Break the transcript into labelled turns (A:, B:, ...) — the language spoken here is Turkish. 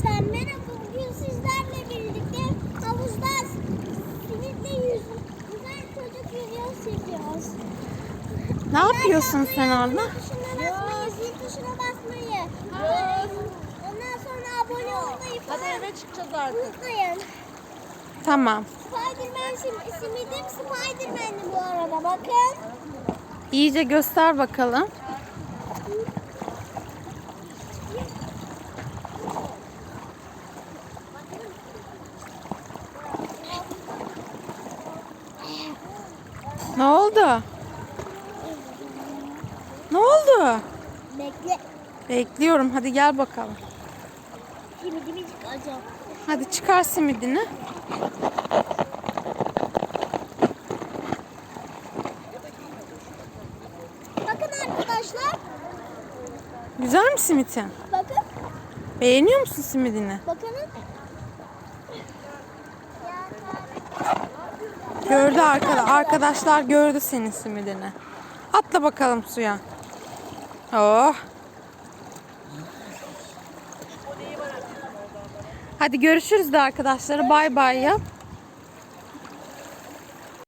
A: Arkadaşlar merhaba. Bugün sizlerle birlikte havuzda simitle yüzen çocuk yüzüyor çekiyoruz.
B: Ne yapıyorsun sen orada?
A: Tuşuna basmayı, zil tuşuna basmayı. Ondan sonra abone olmayı falan.
C: Hadi eve çıkacağız artık.
A: Unutmayın.
B: Tamam.
A: Spiderman simidim Spiderman'di bu arada. Bakın.
B: İyice göster bakalım. Ne oldu? Ne oldu?
A: Bekle.
B: Bekliyorum. Hadi gel bakalım.
A: Simidimi çıkaracağım.
B: Hadi çıkar simidini.
A: Bakın arkadaşlar.
B: Güzel mi simitin?
A: Bakın.
B: Beğeniyor musun simidini?
A: Bakın.
B: Gördü arkadaşlar gördü senin simidini. Atla bakalım suya. Oh. Hadi görüşürüz de arkadaşlara. Bay bay yap.